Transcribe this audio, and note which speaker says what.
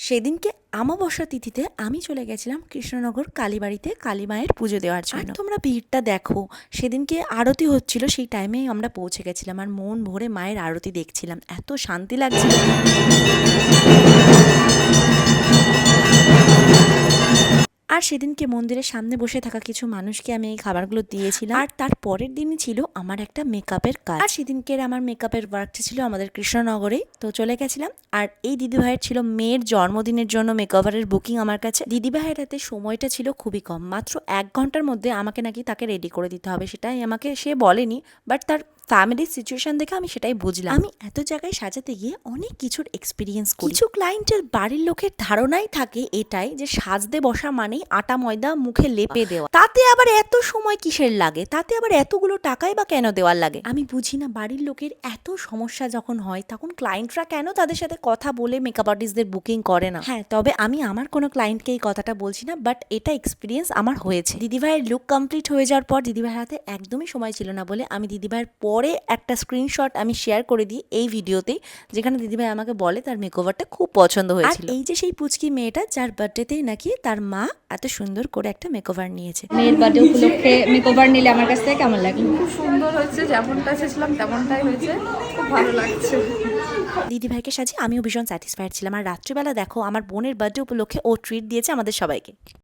Speaker 1: সেদিনকে আমাবস্যা তিথিতে আমি চলে গেছিলাম কৃষ্ণনগর কালীবাড়িতে কালীমায়ের পুজো দেওয়ার জন্য। আর তোমরা ভিড়টা দেখো, সেদিনকে আরতি হচ্ছিল, সেই টাইমে আমরা পৌঁছে গেছিলাম আর মন ভরে মায়ের আরতি দেখছিলাম, এত শান্তি লাগছিল। আর সেদিনকে মন্দিরের সামনে বসে থাকা কিছু মানুষকে আমি এই খাবারগুলো দিয়েছিলাম। আর তার পরের দিনই ছিল আমার একটা মেকআপের কাজ। আর সেদিনকের আমার মেকআপের ওয়ার্কটা ছিল আমাদের কৃষ্ণনগরে, তো চলে গেছিলাম। আর এই দিদিভাইয়ের ছিল মেয়ের জন্মদিনের জন্য মেকওভারের বুকিং আমার কাছে। দিদিভাইয়ের হাতে সময়টা ছিল খুবই কম, মাত্র 1 ঘন্টার মধ্যে আমাকে নাকি তাকে রেডি করে দিতে হবে, সেটাই আমাকে সে বলেনি, বাট তার ফ্যামিলির সিচুয়েশন দেখে আমি সেটাই বুঝলাম। আমি এত জায়গায় সাজাতে গিয়ে অনেক কিছুর এক্সপিরিয়েন্স করি। কিছু ক্লায়েন্টের বাড়ির লোকের ধারণাই থাকে এটাই যে সাজতে বসা মানেই আটা ময়দা মুখে লেপে দেওয়া, তাতে আবার এত সময় কিসের লাগে, তাতে আবার এতগুলো টাকাই বা কেন দেওয়ার লাগে। আমি বুঝি না, বাড়ির লোকের এত সমস্যা যখন হয় তখন ক্লায়েন্টরা কেন তাদের সাথে কথা বলে মেকআপ আর্টিস্টদের বুকিং করে না। হ্যাঁ, তবে আমি আমার কোনো ক্লায়েন্টকে এই কথাটা বলছি না, বাট এটা এক্সপিরিয়েন্স আমার হয়েছে। দিদিভাইয়ের লুক কমপ্লিট হয়ে যাওয়ার পর দিদিভাইয়ের হাতে একদমই সময় ছিল না বলে আমি দিদিভাইয়ের পরে একটা স্ক্রিনশট আমি শেয়ার করে দিই এই ভিডিওতে, যেখানে দিদিভাই আমাকে বলে তার মেকওভারটা খুব পছন্দ হয়েছিল। আর এই যে সেই পুচকি মেয়েটা যার বার্থডেতেই নাকি তার মা এত সুন্দর করে একটা মেকওভার নিয়েছে।
Speaker 2: মেয়ের বার্থডে উপলক্ষে মেকওভার নিলে আমার কাছ থেকে কেমন লাগে?
Speaker 3: খুব সুন্দর হয়েছে, যেমনটা চেয়েছিলাম তেমনটাই হয়েছে, খুব ভালো লাগছে।
Speaker 1: দিদিভাইকে সাজিয়ে আমিও ভীষণ স্যাটিসফাইড ছিলাম। আর রাত্রিবেলা দেখো, আমার বোনের বার্থডে উপলক্ষে ও ট্রিট দিয়েছে আমাদের সবাইকে।